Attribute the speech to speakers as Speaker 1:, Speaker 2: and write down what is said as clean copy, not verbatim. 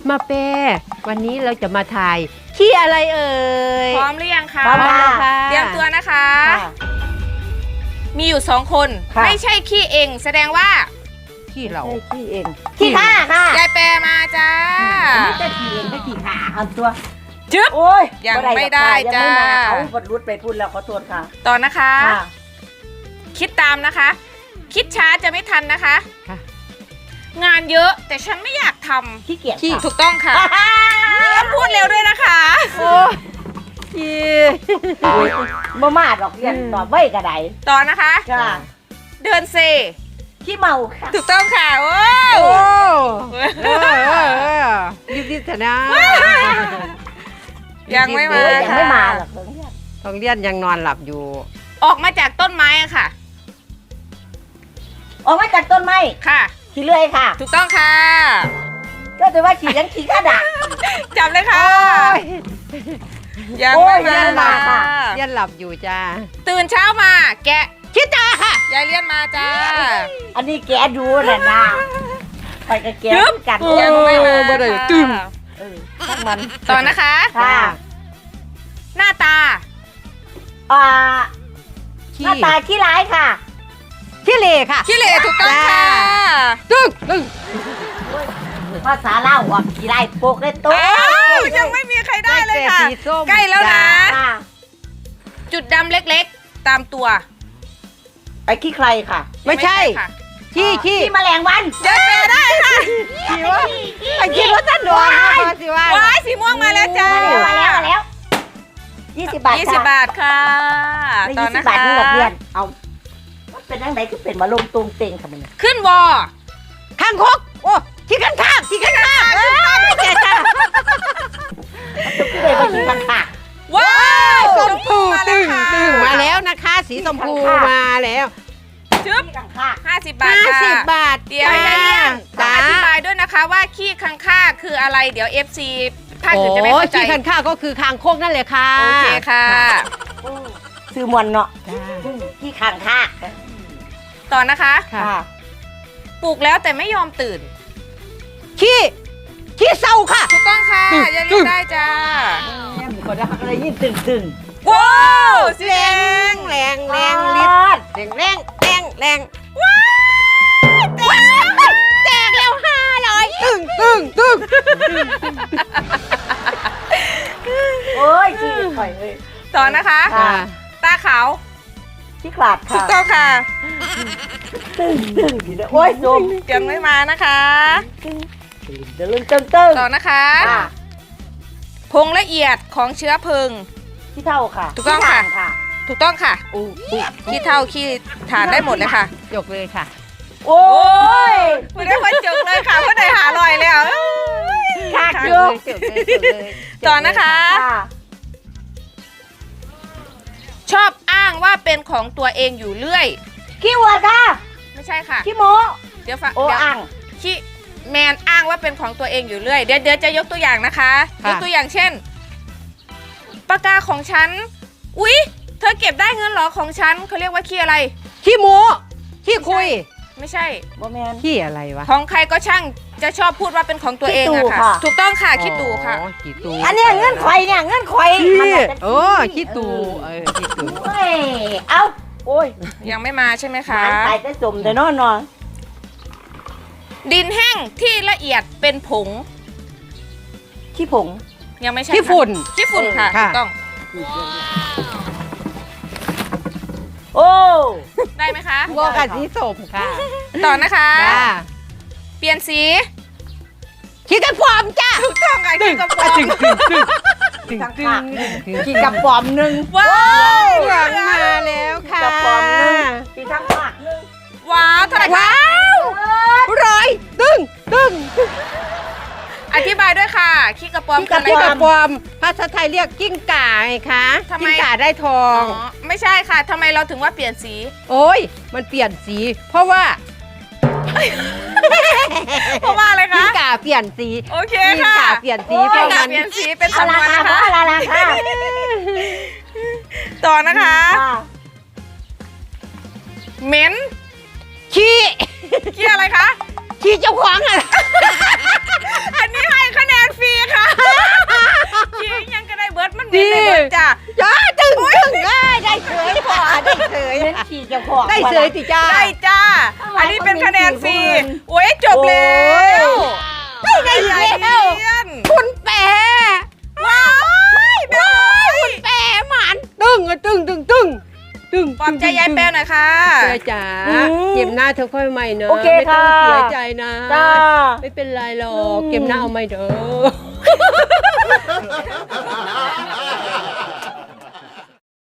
Speaker 1: มาเป้วันนี้เราจะมาถ่ายขี้อะไรเอ่ย
Speaker 2: พร้อมหรือยังคะ
Speaker 1: พร้อมแล้วค่ะ
Speaker 2: เตรียมตัวนะคะ มีอยู่2 คน
Speaker 3: ค่ะ
Speaker 2: ไม่ใช่ขี้เองแสดงว่า
Speaker 1: ขี้เรา
Speaker 3: ขี้เองขี้ข้าค่ะ
Speaker 2: ยายแปรมาจ้า
Speaker 3: ไม่จะขี้เองไม่ขี้ขาเอาตัว
Speaker 2: จึ๊บ
Speaker 3: โอ้ย
Speaker 2: ยังไม่ได้
Speaker 3: ยัง
Speaker 2: จ้า
Speaker 3: ไม่มาเขาบดรุดไปพูดแล้วขอโทษค่ะ
Speaker 2: ต่อนะคะ
Speaker 3: ค่ะ
Speaker 2: คิดตามนะคะ คิดช้าจะไม่ทันนะคะ
Speaker 1: ค่ะ
Speaker 2: งานเยอะแต่ฉันไม่อยากท
Speaker 3: ขี้เกียจ
Speaker 1: ขี้
Speaker 2: ำถูกต้องค่ะต้องพูดเร็วด้วยนะคะ
Speaker 1: โอ้ขี้
Speaker 3: มามาดอกเรียนตอบไว้กระได
Speaker 2: ต่อนะคะ
Speaker 3: ค่ะ
Speaker 2: เดินเซ
Speaker 3: ขี้เมาค่ะ
Speaker 2: ถูกต้องค่ะโอ้
Speaker 1: โอ้รีบๆเถอะนะ
Speaker 2: ยังไม่มา
Speaker 3: ยังไม่มาหรอกเพิ่งเนี่ย
Speaker 1: ทองเลี้ยนยังนอนหลับอยู่
Speaker 2: ออกมาจากต้นไม้อะค่ะ
Speaker 3: ออกมาจากต้นไม้
Speaker 2: ค่ะ
Speaker 3: ขี้เลื่อยค่ะ
Speaker 2: ถูกต้องค่ะ
Speaker 3: ก็จะว่าขี้ยังขี้ข้าด่า
Speaker 2: จับเลยค่ะ ยัง
Speaker 3: โอ้
Speaker 2: ไม่
Speaker 3: ย
Speaker 2: มา
Speaker 3: ยังไม่มา
Speaker 2: ค่ะ
Speaker 1: เลี้ยนหลับอยู่จ้า
Speaker 2: ตื่นเช้ามา แกะ
Speaker 1: คิดจ้าค่ะ
Speaker 2: ยายเลี้ยนมาจ้า
Speaker 3: อันนี้แกดูน่ะนะไปกับแกกัน
Speaker 2: ยังไม่มา
Speaker 1: บ่ได้
Speaker 2: ค่ะ
Speaker 1: ตึ้ม
Speaker 3: เออช่างมัน
Speaker 2: ต่อนะคะ
Speaker 3: ค่ะ
Speaker 2: หน้าตา
Speaker 3: อ่าห
Speaker 1: ขี้
Speaker 3: น้าตาขี้ร้ายค่ะ
Speaker 1: ขี้เหร่ค่ะ
Speaker 2: ขี้เหร่ถูกต้องค่ะ
Speaker 1: ตึ้งตึ้ง
Speaker 3: ภาษาเล่าวออกขี้ร้ายโปกเลยตัว
Speaker 2: อ้าวยังไม่มีใครได้เลยค่ะ
Speaker 1: สีส้ม
Speaker 2: ใกล้แล้วนะ
Speaker 3: ค่ะ
Speaker 2: จุดดำเล็กๆ ตามตัว
Speaker 3: ไปขี้ใครค่ะ
Speaker 1: ไม่ใช่
Speaker 2: ค่ะ
Speaker 1: ขี้ขี้
Speaker 3: ขี้แมลงวัน
Speaker 2: ยายเปย์ได้ค่ะ
Speaker 1: ขี้วะไอ้ขี้ว่าท่านหลวงสิว่า
Speaker 2: ว้ายสีม่วงมาแล้วจ้า
Speaker 3: มาแล้ว20 บาท
Speaker 2: 20 บาทค่ะ
Speaker 3: ได้
Speaker 2: ต่อ
Speaker 3: 20
Speaker 2: นะ
Speaker 3: บาท
Speaker 2: คะ
Speaker 3: นี่หลักเรียนเอามันเป็นยังไงคือเป็นมาลงตรงเต็งค่ะมันเนี่ย
Speaker 2: ขึ้นวอ
Speaker 1: ข้างคกโอ้ขี้ข้างข้างขี้ข้างข้างเจ๊จ้า
Speaker 3: คือเลยว่าขี้ข้างค่ะ
Speaker 2: ว้าว
Speaker 1: ชมพู
Speaker 2: มา
Speaker 1: ตึ้ง
Speaker 2: ค่ะ
Speaker 1: ตึ้งมาแล้วนะคะ สีชมพูมาแล้ว
Speaker 2: ชึบ
Speaker 3: ขี้ข้างค่ะ
Speaker 2: 50 บาทค่ะ
Speaker 1: 50 บาท
Speaker 2: เดี๋ยวยายเลี้ยงต้อ
Speaker 1: จ้าง
Speaker 2: อธิบายด้วยนะคะว่าขี้คังค่าคืออะไร เดี๋ยว FC ภาค
Speaker 1: โอ้
Speaker 2: อื่นจะไม่เข้าใจ
Speaker 1: ขี้ข้างข้างก็คือคางคกนั่นแหละค่ะ
Speaker 2: โอเคค่ะ
Speaker 3: ซื้อมวนเนาะ
Speaker 1: จ้า
Speaker 3: ขี้ข้างค่ะ
Speaker 2: ต่อนะคะ
Speaker 1: ค่ะ
Speaker 3: ค่ะ
Speaker 2: ปลุกแล้วแต่ไม่ยอมตื่น
Speaker 1: ขี้เศร้าค่ะ
Speaker 2: ถูกต้องค่ะ
Speaker 1: ตึ้ง
Speaker 2: ยายเลี้ยงได้จ้า
Speaker 3: แม่หมูกระดาษอะไรยิ่งตึง
Speaker 2: ว้าวสี
Speaker 1: แร
Speaker 2: แด
Speaker 1: ง
Speaker 2: ง
Speaker 1: แรง
Speaker 3: ๆ
Speaker 1: แรง
Speaker 3: ลิ
Speaker 1: ลิ
Speaker 3: ด
Speaker 1: ดแรงแรงแรงแรงแตกแล้ว500ตึ้งตึ้งตึ้ง
Speaker 3: โอ้ยขี้ข่อยเลย
Speaker 2: ต่อนะคะ
Speaker 3: ค่ะ
Speaker 2: ตาขาว
Speaker 3: ขี้ขลาด
Speaker 2: ถูก
Speaker 3: ค่ะ
Speaker 2: ต้องค่ะ
Speaker 3: ตึงอยู่เลยโอ้ยโซม
Speaker 2: ยังไม่มานะคะ
Speaker 3: เดินตึง
Speaker 2: ต่อนะคะ
Speaker 3: ค่ะ
Speaker 2: ผงละเอียดของเชื้อเพลิง
Speaker 3: ขี้เท่าค่ะ
Speaker 2: ถูกต้องค่ะ
Speaker 3: ขี้ถ่านค่ะ
Speaker 2: ถูกต้องค่ะขี้เท่าขี้ฐานได้หมดเลยค่ะ
Speaker 1: ยกเลยค่ะ
Speaker 3: โอ้ย
Speaker 2: ไม่ได้มาจุกเลยค่ะเพราะได้หาลอยแล้ว
Speaker 3: ขาด
Speaker 1: จ
Speaker 3: อยู่
Speaker 1: บเลย
Speaker 2: ต่อนะคะ
Speaker 3: ค่ะ
Speaker 2: ชอบอ้างว่าเป็นของตัวเองอยู่เรื่อย
Speaker 3: ขี้วัวค่ะ
Speaker 2: ไม่ใช่ค่ะ
Speaker 3: ขี้โม
Speaker 2: เดี๋ยวฟัง
Speaker 3: โอ้
Speaker 2: เดี๋ยว
Speaker 3: อ่าง
Speaker 2: ขี้แมนอ้างว่าเป็นของตัวเองอยู่เรื่อยเดี๋ยวจะยกตัวอย่างนะคะ ยกตัวอย่างเช่นปากกาของฉันอุ๊ยเธอเก็บได้เงินเหรอของฉันเขาเรียกว่าขี้อะไร
Speaker 1: ขี้หมูขี้คุย
Speaker 2: ไม่ใช่
Speaker 3: บ่แมน
Speaker 1: ขี้อะไรวะ
Speaker 2: ของใครก็ช่างจะชอบพูดว่าเป็นของตัวเอง
Speaker 3: ขี้ตู่
Speaker 2: อะค่ะ
Speaker 3: ค่ะ
Speaker 2: ถูกต้องค่ะคิดดูค่ะ
Speaker 1: อ๋อขี้ตู
Speaker 3: อันเนี้ยเงื่อนไขเนี่ยเงื่อนไข
Speaker 1: ขี้
Speaker 3: มันน่ะจะ
Speaker 1: โอ้ขี้ตูขี้ตู
Speaker 3: โอ้ยเอาโอ้ย
Speaker 2: ยังไม่มาใช่ไหมคะ
Speaker 3: หานตายแต่สมแต่นอนนอน
Speaker 2: ดินแห้งที่ละเอียดเป็นผง
Speaker 3: ขี้ผง
Speaker 2: ยังไม่ใช่
Speaker 1: ขี้
Speaker 2: ค่ะ
Speaker 1: ฝุ่น
Speaker 2: ขี้ฝุ่นค่ะ
Speaker 1: ค่ะ
Speaker 2: ถูกต้อง
Speaker 3: โอ้
Speaker 2: ได้ไหมคะ
Speaker 1: โบกับสีส้มค่ะ
Speaker 2: ต่อนะคะ
Speaker 1: จ้า
Speaker 2: เปลี่ยนสี
Speaker 1: ขี้กระพรอมจ้า
Speaker 2: ถูกต้องค่ะขี้กระป๋อง
Speaker 1: ตึงตึงตึงตึง
Speaker 3: ข้าง
Speaker 1: ตึ
Speaker 3: ข้าง
Speaker 1: ง
Speaker 3: ขี้กับปอมหนึ่ง
Speaker 2: ว้าว
Speaker 1: หวังมาแล้วค่ะ
Speaker 3: กับปอมหนึ่งขี้ข้างข้างหนึ่ง
Speaker 2: ว้าวเท่าไหร่คะ
Speaker 1: ว้าวร้อยตึงตึง
Speaker 2: อธิบายด้วยค่ะขี้กระป๋อม
Speaker 1: ขี้
Speaker 2: คืออะไร
Speaker 1: กระ
Speaker 2: คะ
Speaker 1: พรอมภาษาไทยเรียกกิ้งก่าไงคะ
Speaker 2: ทำไม
Speaker 1: กิ้งก่าได้ทอ
Speaker 2: อ๋อง ไม่ใช่ค่ะทำไมเราถึงว่าเปลี่ยนสี
Speaker 1: โอ้ยมันเปลี่ยนสี เพราะว่า
Speaker 2: เพราะว่าอะไร
Speaker 1: กิ้
Speaker 2: คะ
Speaker 1: งก่าเปลี่ยนสี
Speaker 2: โอเค
Speaker 1: กิ้ง
Speaker 2: ค่ะ
Speaker 1: ก่าเปลี่ยนสี
Speaker 2: กิ้ง
Speaker 1: เพราะ
Speaker 2: ก่า
Speaker 1: มัน
Speaker 2: เปลี่ยนสีเป็น
Speaker 3: เอา
Speaker 2: สำน
Speaker 3: ละ
Speaker 2: วน
Speaker 3: ค่ะ
Speaker 2: นะคะ
Speaker 3: เอาละค่ะ
Speaker 2: ต่อนะคะ
Speaker 3: ค่ะ
Speaker 2: เหม็น
Speaker 1: ขี้
Speaker 2: ขี้อะไรคะ
Speaker 1: ขี้เจ้าของอ่ะ
Speaker 2: อันนี้ให้คะแนน
Speaker 1: เฉย
Speaker 3: เล่นขี่เจ้าของ
Speaker 1: ได้เฉยติจ้า
Speaker 2: ได้จ้า อันนี้เป็นคะแนนฟรีโอ้ยจบแล้ว
Speaker 1: ได้ไงอีกแล้ว
Speaker 2: เรียน
Speaker 1: คุณแปร
Speaker 2: ว้ายแม่
Speaker 1: คุณแปรหมันตึ้งอะตึ้งตึ้งตึ้งตึ้ง
Speaker 2: ปลอบใจยายแปลหน่อยค่ะ
Speaker 4: แม่จ๋าเก็บหน้าเธอค่อยใหม่เนอะ
Speaker 3: โอเค
Speaker 4: ไม่ต้อ
Speaker 3: ค่ะ
Speaker 4: งเสียใจนะ
Speaker 3: จ้า
Speaker 4: ไม่เป็นไรหรอกเก็บหน้าเอาใหม่เด้อ